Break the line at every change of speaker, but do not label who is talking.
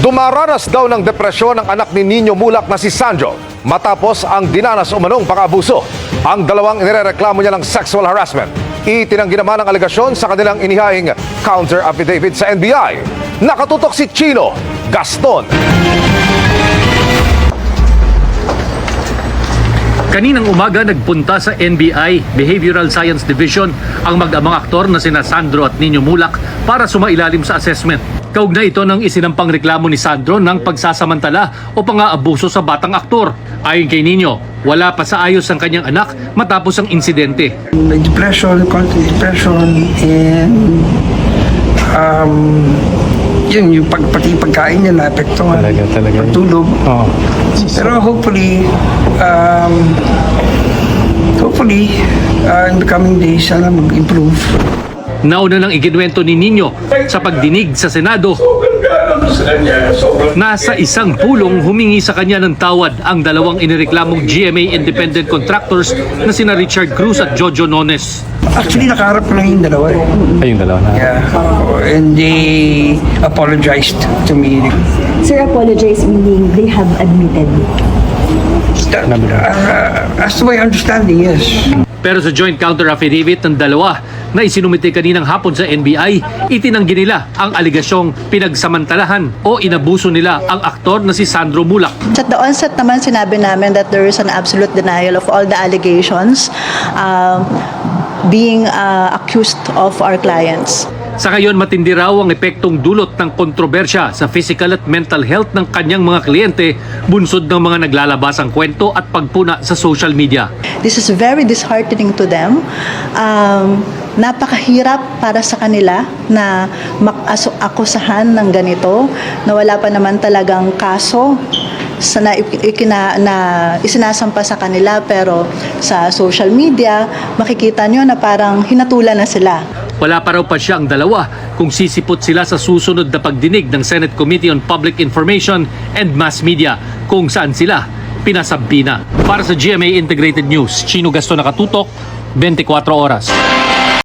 Dumaranas daw ng depresyon ang anak ni Nino Mulak na si Sandro matapos ang dinanas umanong pang-abuso. Ang dalawang inirereklamo niya ng sexual harassment. Itinanggi naman ang alegasyon sa kanilang inihaing counter affidavit sa NBI. Nakatutok si Chino Gaston.
Kaninang umaga nagpunta sa NBI Behavioral Science Division ang mag-amang aktor na sina Sandro at Nino Mulak para sumailalim sa assessment. Kaugnay ito ng isinampang reklamo ni Sandro ng pagsasamantala o pang-aabuso sa batang aktor. Ayon kay Nino, wala pa sa ayos ang kanyang anak matapos ang insidente.
May depression, constant depression, and yun, yung pati pagkain niya naapektuhan.
Talaga.
Pagtulog.
Oo.
Pero hopefully, in the coming days, sana mag-improve.
Nauna nang iginwento ni Nino sa pagdinig sa Senado na sa isang pulong humingi sa kanya ng tawad ang dalawang inireklamong GMA independent contractors na sina Richard Cruz at Jojo Nones.
Actually, nakaharap ko lang yung dalawa.
Ayun, dalawa na.
Yeah. And they apologized to me.
Sir, apologize meaning they have admitted.
As to my understanding, yes.
Pero sa joint counter affidavit ng dalawa na isinumite kaninang hapon sa NBI, itinanggi nila ang aligasyong pinagsamantalahan o inabuso nila ang aktor na si Sandro Mulak.
At the onset naman sinabi namin that there is an absolute denial of all the allegations being accused of our clients.
Sa ngayon, matindi raw ang epektong dulot ng kontrobersya sa physical at mental health ng kanyang mga kliyente, bunsod ng mga naglalabasang kwento at pagpuna sa social media.
This is very disheartening to them. Napakahirap para sa kanila na akusahan ng ganito, na wala pa naman talagang kaso na isinasampa sa kanila, pero sa social media makikita nyo na parang hinatulan na sila.
Wala pa raw pa siya ang dalawa kung sisipot sila sa susunod na pagdinig ng Senate Committee on Public Information and Mass Media kung saan sila pinasabina. Para sa GMA Integrated News, Chino Gaston, nakatutok, 24 oras.